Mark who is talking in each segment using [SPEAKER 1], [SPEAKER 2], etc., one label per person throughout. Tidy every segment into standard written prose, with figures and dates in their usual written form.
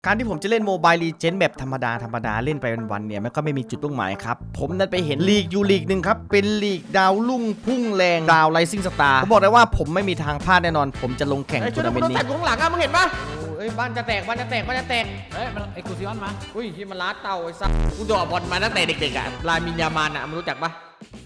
[SPEAKER 1] การที่ผมจะเล่นโมบายลีเจนด์แบบธรรมดาเล่นไปวันๆเนี่ยมันก็ไม่มีจุดมุ่งหมายครับผมนั้นไปเห็นลีกอยู่ลีกหนึ่งครับเป็นลีกดาวรุ่งพุ่งแรงดาวไรซิ่งสตาร์ผมบอกเลยว่าผมไม่มีทางพลาดแน่นอนผมจะลงแข่งทัวร์นาเมนต์นี้ช่วยดูข้างหลังอ่ะมึงเห็นปะเอ้ยบ้านจะแตกเ
[SPEAKER 2] ฮ้ยมันเอ็กซ์คลูซีออนมา
[SPEAKER 1] อุ้ยที่มันล้าเต่าไอ้สัสกูดอกบอลมาตั้งแต่เด็กๆอ่ะลามินยามานอ่ะมึงรู้จักปะ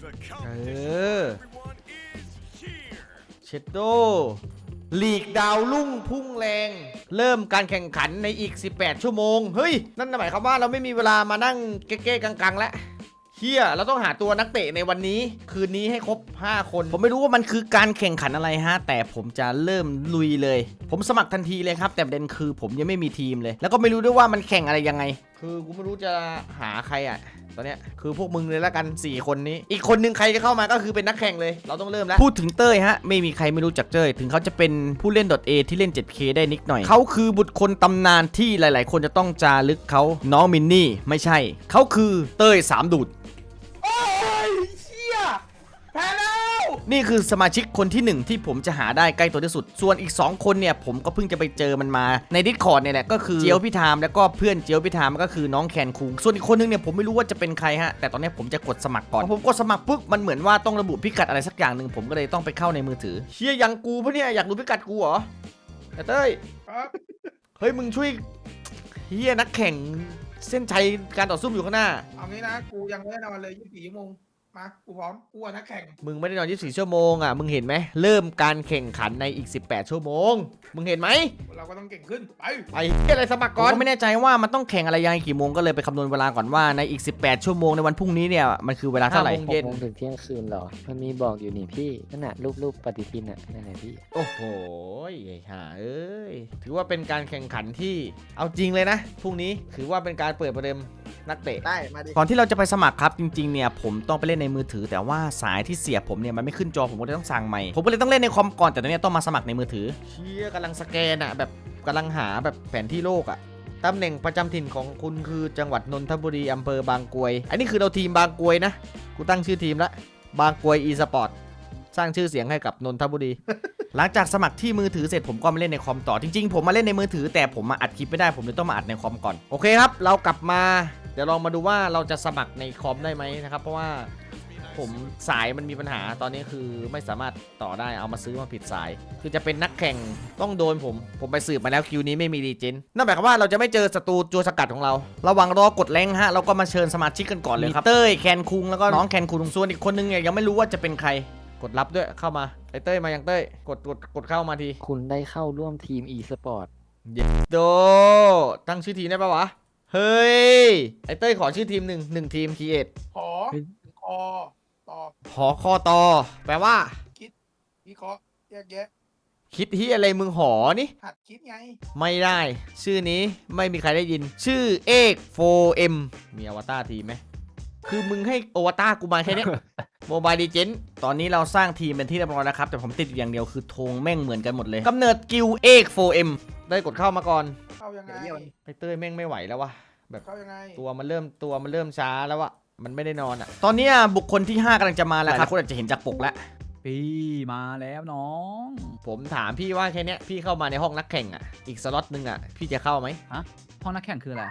[SPEAKER 1] เชดโดลีกดาวรุ่งพุ่งแรงเริ่มการแข่งขันในอีก18ชั่วโมงเฮ้ยนั่นหมายความว่าเราไม่มีเวลามานั่งเก๊ๆกังๆแล้วเฮียเราต้องหาตัวนักเตะในวันนี้คืนนี้ให้ครบ5คนผมไม่รู้ว่ามันคือการแข่งขันอะไรฮะแต่ผมจะเริ่มลุยเลยผมสมัครทันทีเลยครับแต่ประเด็นคือผมยังไม่มีทีมเลยแล้วก็ไม่รู้ด้วยว่ามันแข่งอะไรยังไงคือกูไม่รู้จะหาใครอ่ะตอนเนี้ยคือพวกมึงเลยละกัน4คนนี้อีกคนนึงใครจะเข้ามาก็คือเป็นนักแข่งเลยเราต้องเริ่มแล้วพูดถึงเต้ยฮะไม่มีใครไม่รู้จักเต้ยถึงเขาจะเป็นผู้เล่น .A ที่เล่น 7K ได้นิดหน่อยเขาคือบุตรคนตำนานที่หลายๆคนจะต้องจารึกเขาน้องมินนี่ไม่ใช่เขาคือเต้ย3ดูดโอ้ยเชี่ยแพ้แล้วนี่คือสมาชิกคนที่1ที่ผมจะหาได้ใกล้ตัวที่สุดส่วนอีก2คนเนี่ยผมก็เพิ่งจะไปเจอมันมาใน Discord เนี่ยแหละก็คือเจียวพิธามแล้วก็เพื่อนเจียวพิธามก็คือน้องแคนคุงส่วนอีกคนนึงเนี่ยผมไม่รู้ว่าจะเป็นใครฮะแต่ตอนนี้ผมจะกดสมัครก่อนพอผมกดสมัครปุ๊บมันเหมือนว่าต้องระบุพิกัดอะไรสักอย่างหนึ่งผมก็เลยต้องไปเข้าในมือถือเชี่ยยังกูปะเนี่ยอยากรู้พิกัดกูเหรอเต้ยเฮ้ยมึงช่วยเฮียนักแข่งเส้นชัยการต่อสู้อยู่ข้างหน้า
[SPEAKER 3] เอางี้นะกูยังไม่ได้นอนเลย24 ชั่วโมงมากูพร้อมกูนักแข่ง
[SPEAKER 1] มึงไม่ได้นอน24ชั่วโมงอ่ะมึงเห็นไหมเริ่มการแข่งขันในอีก18ชั่วโมงมึงเห็นไหม
[SPEAKER 3] เราก็ต้องเก่งขึ้น
[SPEAKER 1] ไปอะไรสมัครก่อนก็ไม่แน่ใจว่ามันต้องแข่งอะไรยังไงกี่โมงก็เลยไปคำนวณเวลาก่อนว่าในอีก18ชั่วโมงในวันพรุ่งนี้เนี่ยมันคือเวลาเท่าไหร่
[SPEAKER 4] 6 โมงถึงเที่ยงคืนเหรอมันมีบอกอยู่นี่พี่นั่นน่ะรูปปฏิทินน่ะนั่นแหละพี่
[SPEAKER 1] โอ้โหไอ้ห่าเอ้ยถือว่าเป็นการแข่งขันที่เอาจริงเลยนะพรุ่งนี้ถือว่าเป็นการเปิดประเดิมนักเตะ
[SPEAKER 3] ได้มาดิ
[SPEAKER 1] ก่อนที่เราจะไปสมัครครับจริงๆเนี่ยผมต้องไปเล่นในมือถือแต่ว่าสายที่เสียบผมเนี่ยมันไม่ขึ้นจอผมก็เลยต้องสั่งใหม่ผมก็เลยต้องเล่นในคอมก่อนแต่ตอนนี้ต้องมาสมัครในมือถือเชี่ยกำลังสแกนอะแบบกำลังหาแบบแผนที่โลกอะตำแหน่งประจำถิ่นของคุณคือจังหวัดนนทบุรีอำเภอบางกรวยอันนี้คือเราทีมบางกรวยนะกูตั้งชื่อทีมละบางกรวยอีสปอร์ตสร้างชื่อเสียงให้กับนนทบุรี หลังจากสมัครที่มือถือเสร็จผมก็มาเล่นในคอมต่อจริงๆผมมาเล่นในมือถือแต่ผมมาอัดคลิปไม่ได้ผมเลยต้องมาอัดในคอมก่อนโอเคครับเรากลับมาเดี๋ยวลองมาดูว่าเราจะสมัครในคอมได้ไหมนะครับเพราะว่าผมสายมันมีปัญหาตอนนี้คือไม่สามารถต่อได้เอามาซื้อมาผิดสายคือจะเป็นนักแข่งต้องโดนผมไปสืบมาแล้วคิวนี้ไม่มีรีเจนนั่นหมายความว่าเราจะไม่เจอศัตรูตัวสกัดของเราระหว่างรอกดแรงฮะเราก็มาเชิญสมาชิกกันก่อนเลยครับเต้ยแคนคุงแล้วก็น้องแคนคุงส่วนอีกคนนึงเนี่ยยังไม่รู้ว่าจะเป็นใครกดรับด้วยเข้ามาไอ้เต้ยมายังเต้ยกดเข้ามาที
[SPEAKER 4] คุณได้เข้าร่วมทีม e-sport
[SPEAKER 1] โดตั้งชื่อทีมได้ปะวะเฮ้ยไอ้เต้ยขอชื่อทีมหนึ่งทีมคีเอท
[SPEAKER 3] ขอต่อ
[SPEAKER 1] หอคอตอแปลว่า
[SPEAKER 3] คิดวิเคราะห์แยกแยะ
[SPEAKER 1] คิดที่อะไรมึงหอนี่
[SPEAKER 3] หัดคิดไง
[SPEAKER 1] ไม่ได้ชื่อนี้ไม่มีใครได้ยินชื่อเอก4M มีอวตารทีมไหมคือมึงให้อวตารกูมาแค่นี้ โมบายดีเจนตอนนี้เราสร้างทีมเป็นที่เรียบร้อยแล้วครับแต่ผมติดอยู่อย่างเดียวคือธงแม่งเหมือนกันหมดเลยกำเนิดกิลเอก 4M ได้กดเข้ามาก่อน
[SPEAKER 3] เข้ายังไง
[SPEAKER 1] ไอเต้ยแม่งไม่ไหวแล้ววะแบบ
[SPEAKER 3] เข้ายังไง
[SPEAKER 1] ตัวมันเริ่มช้าแล้วอะมันไม่ได้นอนอะตอนนี้บุคคลที่5กำลังจะมาแล้วครับคนอาจจะเห็นจากปกแล้ว
[SPEAKER 2] พี่มาแล้วน้อง
[SPEAKER 1] ผมถามพี่ว่าแค่นี้พี่เข้ามาในห้องนักแข่งอะอีกสล็อตนึงอะพี่จะเข้าไหม
[SPEAKER 2] ฮะห้องนักแข่งคืออะไร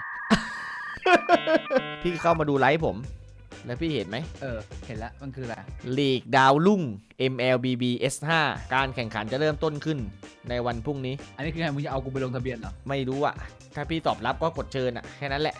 [SPEAKER 1] พี่เข้ามาดูไลฟ์ผมแล้วพี่เห็นไหม
[SPEAKER 2] เห็นแล้วมันคืออะไร
[SPEAKER 1] ลีกดาวรุ่ง MLBB S5 การแข่งขันจะเริ่มต้นขึ้นในวันพรุ่งนี้
[SPEAKER 2] อันนี้คือไงมึงจะเอากูไปลงทะเบียนเหรอ
[SPEAKER 1] ไม่รู้อะถ้าพี่ตอบรับก็กดเชิญอะแค่นั้นแหละ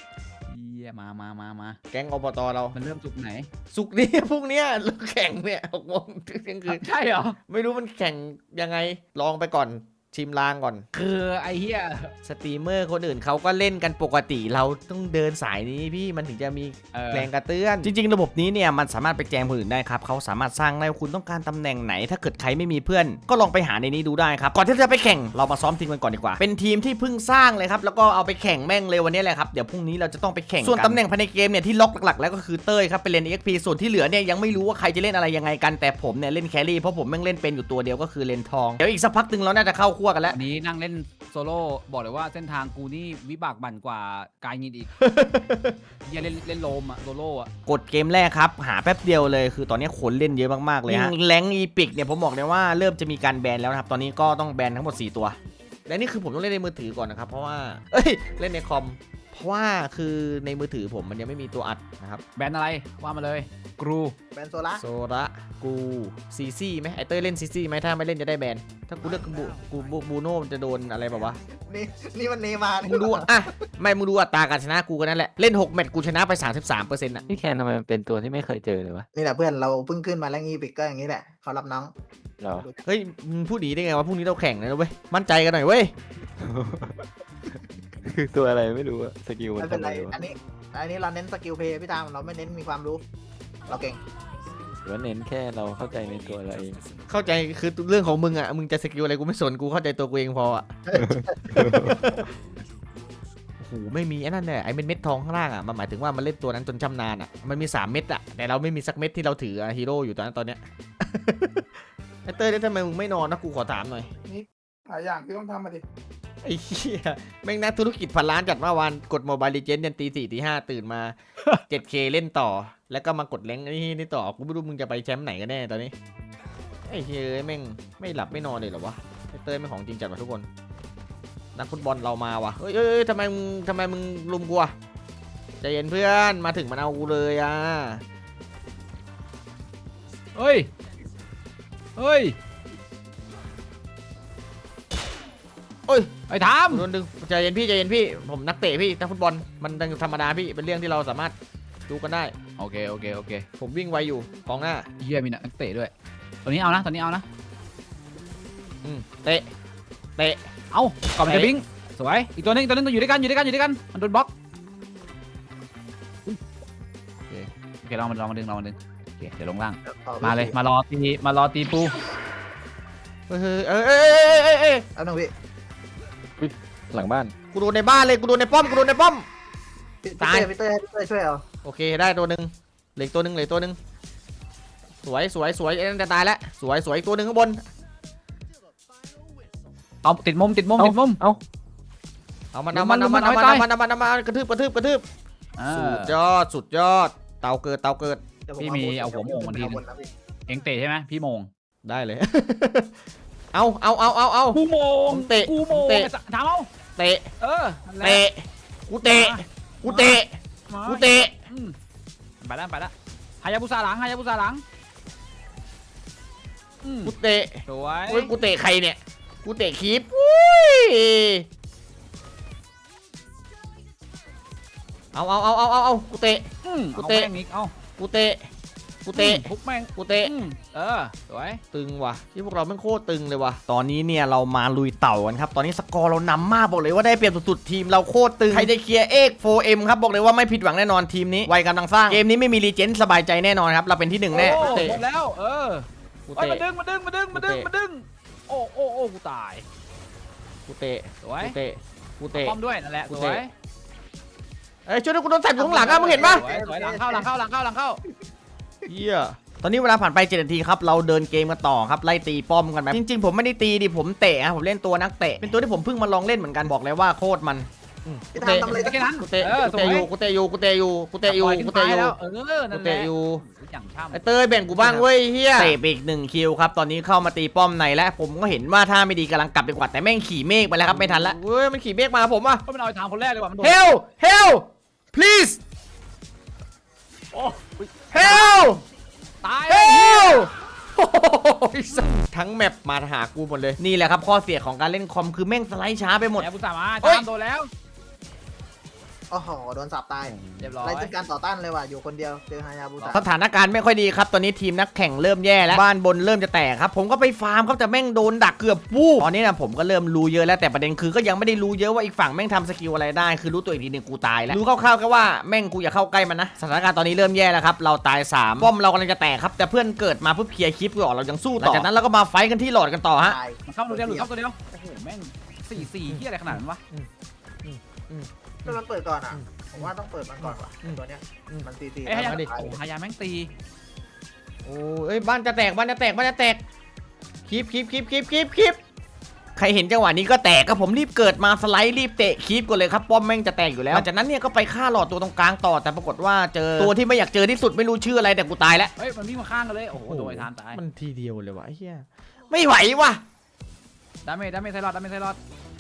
[SPEAKER 2] มา
[SPEAKER 1] แก๊งอบตเรา
[SPEAKER 2] มันเริ่มสุกไหน
[SPEAKER 1] สุกนี้พรุ่งนี้เราแข่งเนี่ย6 โมงเที่ยงคืน
[SPEAKER 2] ใช่เหรอ
[SPEAKER 1] ไม่รู้มันแข่งยังไงลองไปก่อนชิมลางก่อน
[SPEAKER 2] คือไอ้เหี้ย
[SPEAKER 1] สตรีมเมอร์คนอื่นเขาก็เล่นกันปกติเราต้องเดินสายนี้พี่มันถึงจะมีแรงกระเตื้อนจริงๆระบบนี้เนี่ยมันสามารถไปแจ้งคนอื่นได้ครับเขาสามารถสร้างได้คุณต้องการตำแหน่งไหนถ้าเกิดใครไม่มีเพื่อนก็ลองไปหาในนี้ดูได้ครับก่อนที่จะไปแข่งเรามาซ้อมทีมกันก่อนดีกว่าเป็นทีมที่เพิ่งสร้างเลยครับแล้วก็เอาไปแข่งแม่งเลยวันนี้แหละครับเดี๋ยวพรุ่งนี้เราจะต้องไปแข่งส่วนตำแหน่งภายในเกมเนี่ยที่ล็อกหลักๆแล้วก็คือเต้ยครับเป็นเลน EXP ส่วนที่เหลือเนี่ยยังไม่รู้ว่าใครจะเล่นอะไรยังไงกันแต่ผมเนี่ยเล่นแครี่เพราะผมแม่งเล่นเป็นอยู่ตัวเดียวก็คือเลนทองเดี๋ยวอีกสักพักนึงเราน่าจะเข้าคั่วกันแล้ว
[SPEAKER 2] นี้นั่งเล่นโซโล่บอกเลยว่าเส้นทางกูนี่วิบากบั่นกว่ากายยินอีก อย่าเล่นโลมอะโซโล่อะ
[SPEAKER 1] กดเกมแรกครับหาแป๊บเดียวเลยคือตอนนี้คนเล่นเยอะมากๆเลยฮะแรงอีพิกเนี่ยผมบอกเลยว่าเริ่มจะมีการแบนแล้วนะครับตอนนี้ก็ต้องแบนทั้งหมด4ตัวและนี่คือผมต้องเล่นในมือถือก่อนนะครับเพราะว่าเอ้ยเล่นในคอมเพราะว่าคือในมือถือผมมันยังไม่มีตัวอัดนะครับ
[SPEAKER 2] แบนอะไรว่ามาเลยกรู
[SPEAKER 3] แบนโซล่า
[SPEAKER 1] โซระกูซีซี่ไหมไอเต้ยเล่นซีซี่ไหมถ้าไม่เล่นจะได้แบนถ้ากูเลือกบูโน่มันจะโดนอะไรแบบวะ
[SPEAKER 3] นี่มันเนมาร์
[SPEAKER 1] มึงดูอ่ะไม่มึงดูอัตราการชนะกูกันนั่นแหละเล่น6แมตช์กูชนะไป 33%อ่ะ
[SPEAKER 4] พี่แคนทำไมมันเป็นตัวที่ไม่เคยเจอเลยวะ
[SPEAKER 3] นี่แหละเพื่อนเราเพิ่งขึ้นมาแล้วงี้ปิกก็อย่างนี้แหละเขารับน้อง
[SPEAKER 4] เหรอ
[SPEAKER 1] เฮ้ยมึงพูดดีได้ไงวะพรุ่งนี้เราแข่งนะเว้ยมั่นใจกันหน่อยเว้ย
[SPEAKER 4] คือตัวอะไรไม่รู้อะสกิลมัน
[SPEAKER 3] ไม่เป็น
[SPEAKER 4] ทำ
[SPEAKER 3] ไร
[SPEAKER 4] อะไรวะ
[SPEAKER 3] อันนี้เราเน้นสกิลเพย์พี่ตามเราไม่เน้นมีความรู้ เราเก่ง
[SPEAKER 4] หรือว่าเน้นแค่เราเข้าใจในตัวเราเอง
[SPEAKER 1] เข้าใจคือเรื่องของมึงอ่ะมึงจะสกิลอะไรกูไม่สนกูเข้าใจตัวกูเองพออ่ะ โอ้โหไม่มีไอ้นั่นแหละไอ้เม็ดทองข้างล่างอ่ะมันหมายถึงว่ามันเล่นตัวนั้นจนชำนาญอ่ะมันมี3เม็ดอ่ะแต่เราไม่มีสักเม็ดที่เราถือฮีโร่อยู่ตอนเนี้ย ไอ้เต้ยทำไมมึงไม่นอนนะกูขอถามหน่อย
[SPEAKER 3] หลายอย่างที่ต้องทำมาดิ
[SPEAKER 1] ไอ้เหี้ยแม่งนักธุรกิจพันล้านจัดเมื่อวานกดโมบายลีเจนยันตี 4 ตี 5ตื่นมา 7K เล่นต่อ แล้วก็มากดแรงนี่ต่อกูไม่รู้มึงจะไปแชมป์ไหนกันแน่ตอนนี้ไอ้เฮ้ยแม่งไม่หลับไม่นอนเลยเหรอวะไอ้เต้ยไม่งของจริงจัดว่ะทุกคนนักฟุตบอลเรามาว่ะเอ้ยทำไมมึงลุมกูอ่ะใจเย็นเพื่อนมาถึงมันเอากูเลยอ่ะ
[SPEAKER 2] เฮ้ยเฮ้ย
[SPEAKER 1] โอ้ย
[SPEAKER 2] ไอ้ทาม
[SPEAKER 1] โดนดึงใจเย็นพี่ผมนักเตะพี่นักฟุตบอลมันธรรมดาพี่เป็นเรื่องที่เราสามารถดูกันได้
[SPEAKER 2] โอเคโอเค
[SPEAKER 1] ผมวิ่งไวอยู่กองหน้า
[SPEAKER 2] เฮียมีนักเตะด้วยตัวนี้เอานะตัวนี้เอานะ
[SPEAKER 1] เตะ
[SPEAKER 2] เอาก่อนมันจะบิงสวยอีกตัวนึงต้องอยู่ด้วยกันมันโดนบล็อกโอเคลองมาดึงโอเคเดี๋ยวลงล่างมาเลยมารอตีปู
[SPEAKER 1] เอ้ย
[SPEAKER 3] เอาหนึ่งพี่
[SPEAKER 4] หลังบ้าน
[SPEAKER 1] กูโดนในบ้านเลยกูโดนในป้อม
[SPEAKER 3] พี่เต้ช่วยเอา
[SPEAKER 1] โอเคได้ตัวหนึ่งเหลืออกตัวหนึ่งสวยไอ้นั่นจะตายแล้วสวยอีกตัวหนึ่งข้างบน
[SPEAKER 2] เอาติดมุม
[SPEAKER 4] เอ้า
[SPEAKER 1] เอามันกระทืบสุดยอดเตาเกิด
[SPEAKER 2] พี่มีเอาหัวโมงมันทีนึงเอ็งเตะใช่ไหมพี่โมง
[SPEAKER 1] ได้เลย เอา
[SPEAKER 2] กูโมง
[SPEAKER 1] ผมเตะ
[SPEAKER 2] ถามเอา
[SPEAKER 1] เตะ
[SPEAKER 2] นั่นแหละ
[SPEAKER 1] กูเตะ
[SPEAKER 2] ไปแล้วฮายาบุซาหลัง
[SPEAKER 1] กูเตะ
[SPEAKER 2] สวย
[SPEAKER 1] โอ้ยกูเตะใครเนี่ยกูเตะคีปอุ้ยเอากูเตะ
[SPEAKER 2] กูเตะเอา
[SPEAKER 1] กูเตะ
[SPEAKER 2] ทุบแม่ง
[SPEAKER 1] กูเตะ
[SPEAKER 2] สวย
[SPEAKER 1] ตึงว่ะที่พวกเราแม่งโคตรตึงเลยว่ะตอนนี้เนี่ยเรามาลุยเต่ากันครับตอนนี้สกอร์เรานำมากบอกเลยว่าได้เปรียบสุดๆทีมเราโคตรตึงใครจะเคลียร์เอก 4M ครับบอกเลยว่าไม่ผิดหวังแน่นอนทีมนี้วัยกำลังสร้างเกมนี้ไม่มีรีเจนสบายใจแน่นอนครับเราเป็นที่1แน่
[SPEAKER 2] ห
[SPEAKER 1] เตะ
[SPEAKER 2] มดแล้ว
[SPEAKER 1] กู
[SPEAKER 2] เอ้ย
[SPEAKER 1] เตะ
[SPEAKER 2] มาดึงโอ้กูตาย
[SPEAKER 1] กูเตะ
[SPEAKER 2] สวย
[SPEAKER 1] กูเตะ
[SPEAKER 2] ป้อมด้วยนั่นแหละสวย
[SPEAKER 1] เอ้ยช่วยด้วยกูโดนแท็บอยู่ข้างหลังอะมึงเห็นปะ
[SPEAKER 2] สวยหลังเข้า
[SPEAKER 1] เฮียตอนนี้เวลาผ่านไป7 นาทีครับเราเดินเกมกันต่อครับไล่ตีป้อมกันไปจริงๆผมไม่ได้ตีดิผมเตะครับผมเล่นตัวนักเตะเป็นตัวที่ผมเพิ่งมาลองเล่นเหมือนกันบอกเลยว่าโคตรมัน
[SPEAKER 3] พี่ทำอะไร
[SPEAKER 2] แค่นั้น
[SPEAKER 1] กูเตะอยู่
[SPEAKER 2] อย่างช่ำ
[SPEAKER 1] ไอเต้ยแบ่งกูบ้างเว้ยเฮียเตะไปอีก1 คิวครับตอนนี้เข้ามาตีป้อมในแล้วผมก็เห็นว่าถ้าไม่ดีกำลังกลับไปกว่าแต่แม่งขี่เมฆไปแล้วครับไม่ทันละเว้ยมันขี่เมฆมาผมอะ
[SPEAKER 2] ก็เป็นเอาทางคนแรกเลยว่ะมันโดน
[SPEAKER 1] Help please
[SPEAKER 2] โอ้
[SPEAKER 1] Help
[SPEAKER 2] ตาย
[SPEAKER 1] Help ทั้งแมปมาหากูหมดเลยนี่แหละครับข้อเสียของการเล่นคอมคือแม่งสไลด์ช้าไปหมด
[SPEAKER 2] แอบบุษามา
[SPEAKER 1] เฮ้ย
[SPEAKER 2] ตามโดนแล้ว
[SPEAKER 3] โอ้โหโดนสับตาย
[SPEAKER 2] เรียบร้อย
[SPEAKER 3] ไรเป็นการต่อต้านเลยว่ะอยู่คนเดียวเจอฮายาบุตะ
[SPEAKER 1] สถานการณ์ไม่ค่อยดีครับตอนนี้ทีมนักแข่งเริ่มแย่แล้วบ้านบนเริ่มจะแตกครับผมก็ไปฟาร์มครับแต่แม่งโดนดักเกือบวูบตอนนี้นะผมก็เริ่มรู้เยอะแล้วแต่ประเด็นคือก็ยังไม่ได้รู้เยอะว่าอีกฝั่งแม่งทำสกิลอะไรได้คือรู้ตัวอีกทีหนึงกูตายแล้วรู้คร่าวๆก็ว่าแม่งกูอย่าเข้าใกล้มันนะสถานการณ์ตอนนี้เริ่มแย่แล้วครับเราตาย3ป้อมเรากำลังจะแตกครับแต่เพื่อนเกิดมาเพื่อเคลียร์คลิปก่อนเรายังสู้ต่อหลังจากนั้นเราก็มาไฟท์กันที่หลอดกันต่อฮะ
[SPEAKER 3] ตาย
[SPEAKER 2] มันเข้าตัวเดียวหลุดเข้าตัวเดียวโอ้โหแม่ง4ที่อะไรขนาดนั้นวะ
[SPEAKER 3] ถ้ามันเปิดก่อนอ่ะผมว่าต้องเปิดมันก่อนว่ะตัวเนี้ยมันตี
[SPEAKER 2] ไอ้ฮายา
[SPEAKER 1] มาดิ
[SPEAKER 2] โอ้ฮายาแม่งตี
[SPEAKER 1] โอ้ยบ้านจะแตกคลิปใครเห็นจังหวะนี้ก็แตกก็ผมรีบเกิดมาสไลด์รีบเตะคลิปก่อนเลยครับป้อมแม่งจะแตกอยู่แล้วหลังจากนั้นเนี่ยก็ไปฆ่าหลอดตัวตรงกลางต่อแต่ปรากฏว่าเจอตัวที่ไม่อยากเจอที่สุดไม่รู้ชื่ออะไรแต่กูตายแล้ว
[SPEAKER 2] เฮ้ยมันวิ่งมาข้างกันเลยโอ้โหโดนทานตาย
[SPEAKER 1] มันทีเดียวเลยวะไอ้เหี้ยไม่ไหววะ
[SPEAKER 2] ดาเมจไซรอด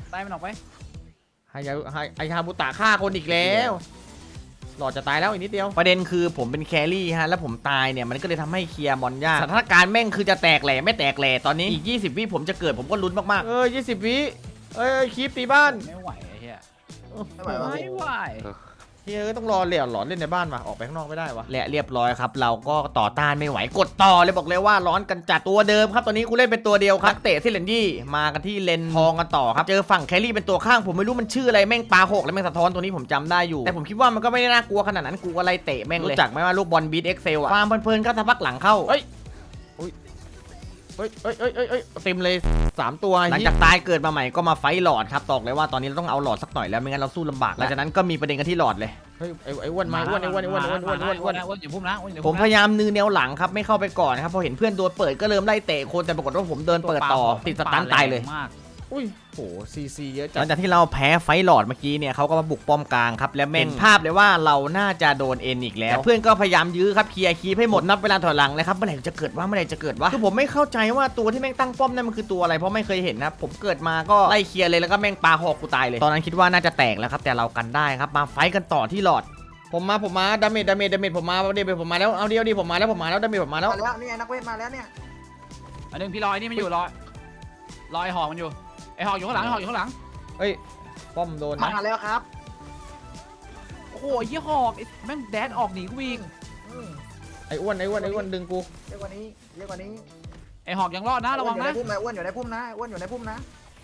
[SPEAKER 2] ได้มันออกไป
[SPEAKER 1] ไฮฮาบุตะฆ่าคนอีกแล้วหลอดจะตายแล้วอีกนิดเดียวประเด็นคือผมเป็นแครี่ฮะแล้วผมตายเนี่ยมันก็เลยทำให้เคลียร์มอนยากสถานการณ์แม่งคือจะแตกแหล่ไม่แตกแหล่ตอนนี้อีก20 วิผมจะเกิดผมก็ลุ้นมากๆ20 วิคลิปตีบ้าน
[SPEAKER 2] ไม่ไหวไอ้เหี้ย
[SPEAKER 3] ไม่ไหววะ
[SPEAKER 2] ไม่ไหว
[SPEAKER 1] ต้องรอเหลี่ยหลอนเล่นในบ้านว่ะออกไปข้างนอกไม่ได้วะและเรียบร้อยครับเราก็ต่อต้านไม่ไหวกดต่อเลยบอกเลยว่าร้อนกันจัดตัวเดิมครับตอนนี้กูเล่นเป็นตัวเดียวครับนักเตะที่เลนดี้มากันที่เลนทองกันต่อครับเจอฝั่งแครี่เป็นตัวข้างผมไม่รู้มันชื่ออะไรแม่งปลาหกแล้วแม่งสะท้อนตัวนี้ผมจำได้อยู่แต่ผมคิดว่ามันก็ไม่ได้น่ากลัวขนาดนั้นกูอะไรเตะแม่งเลยรู้จักไหมว่าลูกบอลบีทเอ็กเซลอะฟาร์มเพลินๆก็ทะพักหลังเข้าเต็มเลย3ตัวหลังจากตายเกิดมาใหม่ก็มาไฟหลอดครับตอกเลยว่าตอนนี้เราต้องเอาหลอดสักหน่อยแล้วไม่งั้นเราสู้ลำบากหลังจากนั้นก็มีประเด็นกันที่หลอดเลยเฮ้ยไอ้อ้วนมาอ้วน
[SPEAKER 2] อย่าพุ่มนะอย่า
[SPEAKER 1] ผ
[SPEAKER 2] พุ่
[SPEAKER 1] ม
[SPEAKER 2] ม
[SPEAKER 1] พยายามนือแนวหลังครับไม่เข้าไปก่อนนะครับพอเห็นเพื่อนโดนเปิดก็เริ่มไล่เตะคนแต่ปรากฏว่าผมเดินเปิดต่อติดสตันตายเลยอุ้ยโหซีเยอะจังหลังจากที่เราแพ้ไฟหลอดเมื่อกี้เนี่ยเขาก็มาบุกป้อมกลางครับและแม่งภาพเลยว่าเราน่าจะโดนเอ็นอีกแล้วเพื่อนก็พยายามยื้อครับเคลียร์คีให้หมดนับเวลาถอยหลังเลยครับเมื่อไหร่จะเกิดวะคือผมไม่เข้าใจว่าตัวที่แม่งตั้งป้อมนั่นมันคือตัวอะไรเพราะไม่เคยเห็นนะผมเกิดมาก็ไล่เคลียร์เลยแล้วก็แม่งปาหอกกูตายเลยตอนนั้นคิดว่าน่าจะแตกแล้วครับแต่เรากันได้ครับมาไฟกันต่อที่หลอดผมมาดาเมจผมมาผมมาแล้วเอาเดียวดิผมมาแล้วดาเมจผมมาแล้ว
[SPEAKER 3] มาแล้วนี่ไงนักเวทมาแล้วเนี่ย
[SPEAKER 2] อันนึงพี่ลอยนี่มันอยู่ลอยหอกมันอยู่ไอหอกอยู่ข้างหลังไอหอกอยู่ข้างหลัง
[SPEAKER 1] เฮ้ยป้อมโดน
[SPEAKER 3] มาแล้วครับ
[SPEAKER 2] โอ้โหยี่หอกแม่งแดนออกหนีกูวิ่ง
[SPEAKER 1] ไอ้อ้วนดึงกู
[SPEAKER 3] เรียกว่านี้
[SPEAKER 2] ไอหอกยังรอดนะระวังนะ
[SPEAKER 3] อ้วนอยู่ในพุ่มนะอ้วนอยู่ในพุ่มนะ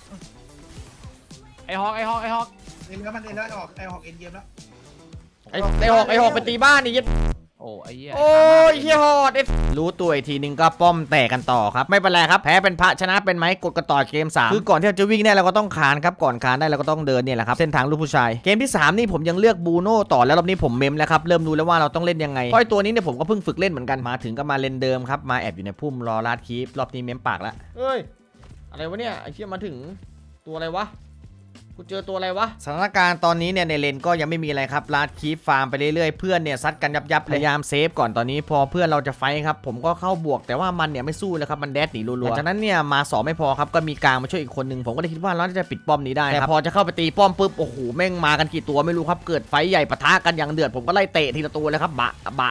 [SPEAKER 2] ไอหอก
[SPEAKER 5] เอ็นแล้วมันเอ็นแล้วออกไอออกเอ็นเกมแล้ว
[SPEAKER 1] ไอ้หอกไปตีบ้านนี่ยัด
[SPEAKER 2] โอ้ไอ้เหี้ย
[SPEAKER 1] โอ้ยเฮียหอดรู้ตัวอีกทีนึงก็ป้อมแตกกันต่อครับไม่เป็นไรครับแพ้เป็นพระชนะเป็นไหมกดกันต่อเกม3คือก่อนที่เราจะวิ่งได้เราก็ต้องคานครับก่อนคานได้เราก็ต้องเดินเนี่ยแหละครับเส้นทางลูกผู้ชายเกมที่3นี่ผมยังเลือกบูโน่ต่อแล้วรอบนี้ผมเมมแล้วครับเริ่มรู้แล้วว่าเราต้องเล่นยังไงเพราะไอ้ตัวนี้เนี่ยผมก็เพิ่งฝึกเล่นเหมือนกันมาถึงก็มาเล่นเดิมครับมาแอบอยู่ในพุ่มรอลาดคีฟรอบนี้เมมปากแล้วเฮ้ยอะไรวะเนี่ยไอ้เชี่ยมาถึงตัวอะไรวะกูเจอตัวอะไรวะสถานการณ์ตอนนี้เนี่ยในเลนก็ยังไม่มีอะไรครับลาดคีฟฟาร์มไปเรื่อยๆเพื่อนเนี่ยซัดกันยับพยายามเซฟก่อนตอนนี้พอเพื่อนเราจะไฟครับผมก็เข้าบวกแต่ว่ามันเนี่ยไม่สู้เลยครับมันแดดหนีรัวๆจากนั้นเนี่ยมา2ไม่พอครับก็มีกลางมาช่วยอีกคนนึงผมก็เลยคิดว่าเราจะปิดป้อมนี้ได้แต่พอจะเข้าไปตีป้อมปุ๊บโอ้โหแม่งมากันกี่ตัวไม่รู้ครับเกิดไฟใหญ่ปะทะกันอย่างเดือดผมก็ไล่เตะทีละตัวเลยครับบะ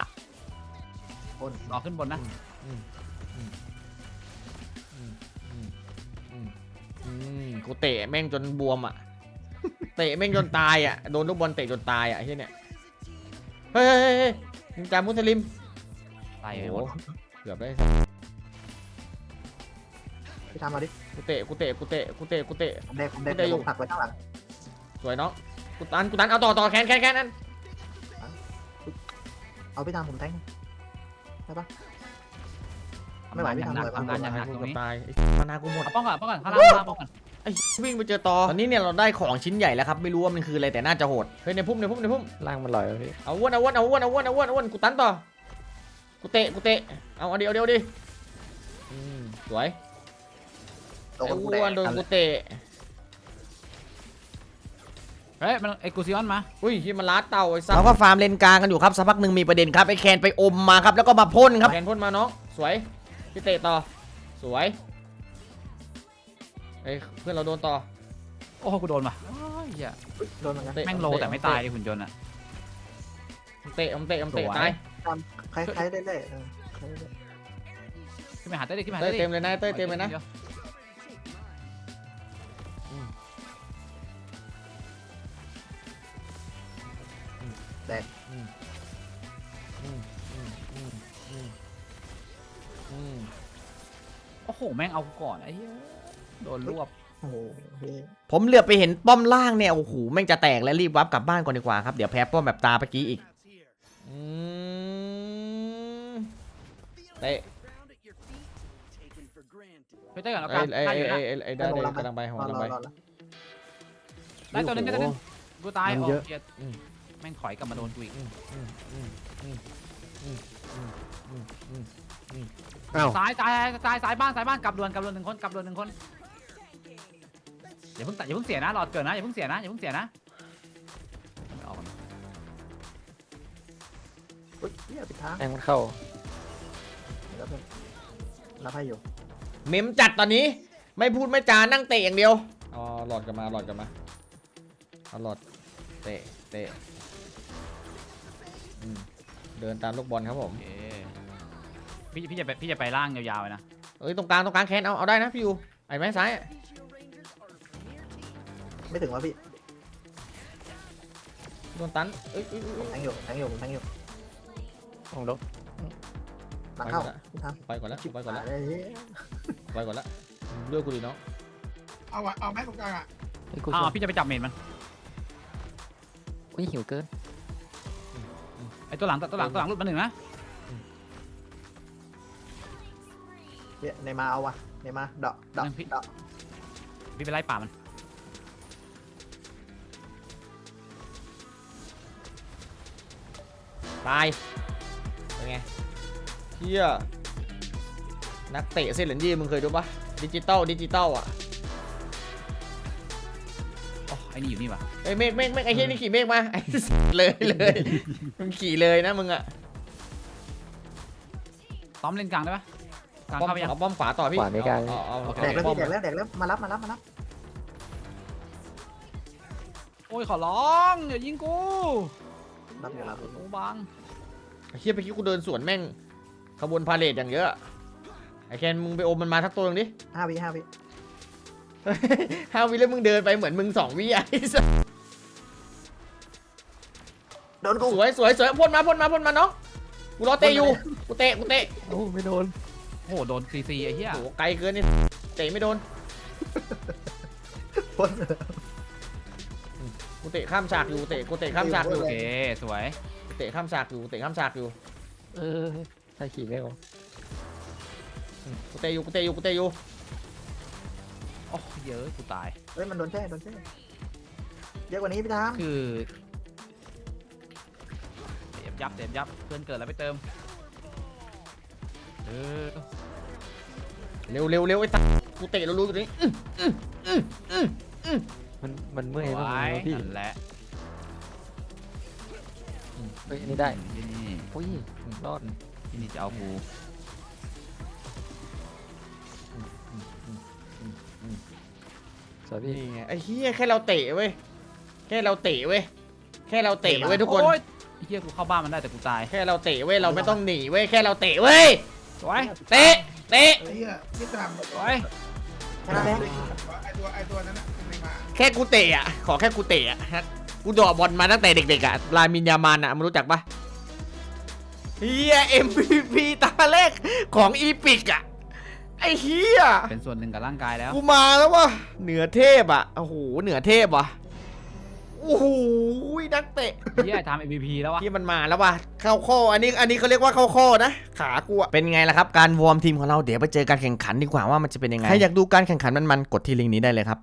[SPEAKER 2] รอขึ้นบนนะ
[SPEAKER 1] กูเตะแม่งจนบวมอ่ะ เตะแม่งจนตายอ่ะโดนลูกบอลเตะจนตายอ่ะไอ้เนี่ยเฮ้ยนินจามุสลิม
[SPEAKER 2] ตาย
[SPEAKER 1] โอ้
[SPEAKER 2] ไป
[SPEAKER 1] โห
[SPEAKER 2] หมด
[SPEAKER 1] เกือบได้
[SPEAKER 3] พี่ทำมาดิ
[SPEAKER 1] กูเตะ
[SPEAKER 3] ผมเด็กผมผักไว้ข้างหลัง
[SPEAKER 1] สวยน้องกูตันเอาต่อแคนนั่น
[SPEAKER 3] เอาพี่ทำผมแทงได้ปะไม่ไหวพี่ทำเลย
[SPEAKER 2] ทำงานอย่างหนักตรงนี้
[SPEAKER 1] ตายมานากูหมด
[SPEAKER 2] ป้องก่อนข้างล่างป้องก่อน
[SPEAKER 1] ไอ้วิ่งไปเจอต่อตอนนี้เนี่ยเราได้ของชิ้นใหญ่แล้วครับไม่รู้ว่ามันคืออะไรแต่น่าจะโหดเฮ้ยในพุ่ม
[SPEAKER 4] ล่างมันลอยแล้วพี่
[SPEAKER 1] เอาอ้วนกูตันต่อกูเตะเอาเดียวดิสวย
[SPEAKER 3] โด
[SPEAKER 1] ไอ้
[SPEAKER 3] นกู
[SPEAKER 1] อ้วนโดนกูเตะ
[SPEAKER 2] เฮ้ยมันไอ้กูซิออนมา
[SPEAKER 1] อุ้ยที่มันล้าเต่าไอ้สัสเราก็ฟาร์มเลนกลางกันอยู่ครับสักพักหนึ่งมีประเด็นครับไอ้แคนไปอมมาครับแล้วก็มาพ่นครับแคนพ่นมาน้องสวยพี่เตะต่อสวยเอ้ยเพื่อนเราโดนต่อ
[SPEAKER 2] โอ้กูโดนว่ะเหี้ย
[SPEAKER 3] โดนเหมือนกัน
[SPEAKER 2] แม่งโลแต่ไม่ตายหุ่นยนต์อ่ะ
[SPEAKER 1] เตะตาย
[SPEAKER 3] คล้ายๆเรื่อย
[SPEAKER 2] ขึ้นไปหาเต้ดิขึ้นไปหา
[SPEAKER 1] เต้
[SPEAKER 2] เต้ดิ
[SPEAKER 1] เต็มเลยนะเต้เต็มเลยนะ
[SPEAKER 2] โอ้โหแม่งเอาก่อนไอ้เหี้ยโดนรวบ
[SPEAKER 3] ๆโอ้โห
[SPEAKER 1] ผมเหลือบไปเห็นป้อมล่างเนี่ยโอ้โหแม่งจะแตกแล้วรีบวับกลับบ้านก่อนดีกว่าครับเดี๋ยวแพ้ป้อมแบบตาเมื่อกี้อีกเตะ
[SPEAKER 2] ไปเต้ก่อนแล้วกันได้อยู่นะ
[SPEAKER 1] ได้กำลังไปหัวกำลังไป
[SPEAKER 2] ได้ตัวนึงกูตายโอ้เกียแม่งถอยกลับมาโดนกูอีกสายบ้านกลับเรือน1 คนกลับเรือน1 คนอย่าเพิ่งเสียนะหลอดเกินนะอย่าเพิ่งเสียนะไม่ออก
[SPEAKER 3] อุ้ยเนี่ยปิดทาง
[SPEAKER 4] แองมันเข้า
[SPEAKER 3] รับให้อยู่
[SPEAKER 1] เมมจัดตอนนี้ไม่พูดไม่จานั่งเตะอย่างเดียวอ๋อหลอดกลับมาหลอดกลับมาเอาหลอดเตะเตะเดินตามลูกบอลครับผม
[SPEAKER 2] โอเคพี่จะไปล่างยาวๆเลยนะ
[SPEAKER 1] เอ้ยตรงกลางแคนเอาได้นะพี่ยูไอ้ไม้ซ้ายอะ
[SPEAKER 3] ไม่ถึงวะพี่
[SPEAKER 1] โดนตันเอ้ย
[SPEAKER 3] ผมแทงอยู่ผมแทงอยู่
[SPEAKER 4] ของลบ
[SPEAKER 3] หลังเข้าพี่ท
[SPEAKER 1] ไปก่อนแล้ว
[SPEAKER 3] ำ
[SPEAKER 1] ไปก่อนแล้ว
[SPEAKER 3] เลย
[SPEAKER 1] ไปก่อนแล้วเลือกกูดิน้อง
[SPEAKER 5] เอาแม่ตรงกลางอ่ะ
[SPEAKER 4] ไอ้ยกู
[SPEAKER 2] อ้า
[SPEAKER 4] ช่
[SPEAKER 2] ว
[SPEAKER 4] วย
[SPEAKER 2] พี่จะไปจับเมนมัน
[SPEAKER 4] อุ้ยหิวเกิน
[SPEAKER 2] ไอ้ตัวหลังหลุดมาหนึ่งนะ
[SPEAKER 3] เนี่ยในมาเอาวะในมาเดาะเดาะเดาะ
[SPEAKER 2] พี่ไปไล่ป่ามัน
[SPEAKER 1] ตายเป็นไงเฮียนักเตะเซเลนยี่มึงเคยดูปะดิจิตอลอ่ะ
[SPEAKER 2] อ๋อไอ้นี่อยู่นี่ป่ะ
[SPEAKER 1] ไอ้เมฆไอ้เฮียนี่ขี่เมฆมาไอ้ เลยมึงขี่เลยนะมึงอ่ะ
[SPEAKER 2] ต้อมเล่นกลางได้ปะกลาง
[SPEAKER 1] ป้อม
[SPEAKER 2] เข้าไปยัง
[SPEAKER 1] เอาป้อมขวาต่อพี่
[SPEAKER 4] ขวาไม่กลาง
[SPEAKER 1] เอา
[SPEAKER 3] แดกแล้ว
[SPEAKER 1] ป้อ
[SPEAKER 3] พี่
[SPEAKER 1] ม
[SPEAKER 3] แดกแล้วมารับ
[SPEAKER 2] โอ้ยขอร้องอย่ายิงกู
[SPEAKER 3] รับอยู่รับ
[SPEAKER 2] โอ้บัง
[SPEAKER 1] ไอ้เฮียไปคิดกูเดินสวนแม่งขบวนพาเลทอย่างเยอะไอ้แคนมึงไปอมมันมาทักตัวหนึงดิ
[SPEAKER 3] 5 วิ
[SPEAKER 1] 5 วิแล้วมึงเดินไปเหมือนมึง2 วิอ่ะ
[SPEAKER 3] โดนกู
[SPEAKER 1] สวยพ่นมาน้องกูรอเตะอยู่กูเตะ
[SPEAKER 4] โอ้ไม่โดน
[SPEAKER 2] โอ้โหโดนซีไอ้เหี้ย
[SPEAKER 1] โอ้โหไกลเกินนี่เตะไม่โดน
[SPEAKER 3] พ่น
[SPEAKER 1] กูเตะข้ามฉากอยู่กูเตะข้ามฉากอยู่
[SPEAKER 2] โอเคสวย
[SPEAKER 1] กูเตะข้ามฉากอยู่
[SPEAKER 4] เออถ้าขี่ไม่ออก
[SPEAKER 1] กูเตะอยู่
[SPEAKER 2] โอ้เยอะกูตาย
[SPEAKER 3] เฮ้ยมันโดนแช่เยอะกว่านี้พี่ทาม
[SPEAKER 2] คือเต็มยับเพื่อนเกิดแล้วไปเติมเออ
[SPEAKER 1] เร็วไอ้ตากูเตะรู้อยู่นี่
[SPEAKER 4] มันเมื่อยมาก
[SPEAKER 2] ไว้
[SPEAKER 4] เลยพี่
[SPEAKER 2] นั่นแหละ
[SPEAKER 4] เฮ้ยอันนี้ได้
[SPEAKER 2] นี่
[SPEAKER 4] อุ้ยรอด
[SPEAKER 2] ที่นี่จะเอากู
[SPEAKER 4] สวยพี่
[SPEAKER 1] นี่ไงไอ้เหี้ยแค่เราเตะเว้ยทุกคน
[SPEAKER 2] โอ๊ยไอ้เหี้ยกูเข้าบ้านมันได้แต่กูตาย
[SPEAKER 1] แค่เราเตะเว้ยเราไม่ต้องหนีเว้ยแค่เราเตะเว้ย
[SPEAKER 2] สวย
[SPEAKER 1] เตะ
[SPEAKER 5] ไอ้เหี้ยพี่ตาม
[SPEAKER 2] สวย
[SPEAKER 3] ชนะแล้ว
[SPEAKER 5] ไอ้ตัวนั้นน่ะไม่มา
[SPEAKER 1] แค่กูเตะอ่ะขอแค่กูเตะอ่ะกูเดอบอลมาตั้งแต่เด็กๆอ่ะลามินยามานอ่ะมึงรู้จักปะเฮีย MVP ตาแรกของอีพิกอ่ะไอ้เฮีย
[SPEAKER 2] เป็นส่วนหนึ่งกับร่างกายแล้ว
[SPEAKER 1] กูมาแล้ววะเหนือเทพอ่ะโอ้โหเหนือเทพว่ะโอ้โหนักเตะ
[SPEAKER 2] เหี้ยทำ MVP แล้ววะ
[SPEAKER 1] ที่มันมาแล้วว่ะเข้าข้ออันนี้เขาเรียกว่าเข้าข้อนะขากูอะเป็นไงล่ะครับการวอร์มทีมของเราเดี๋ยวไปเจอการแข่งขันดีกว่าว่ามันจะเป็นยังไงใครอยากดูการแข่งขันมันๆกดที่ลิงก์นี้ได้เลยครับ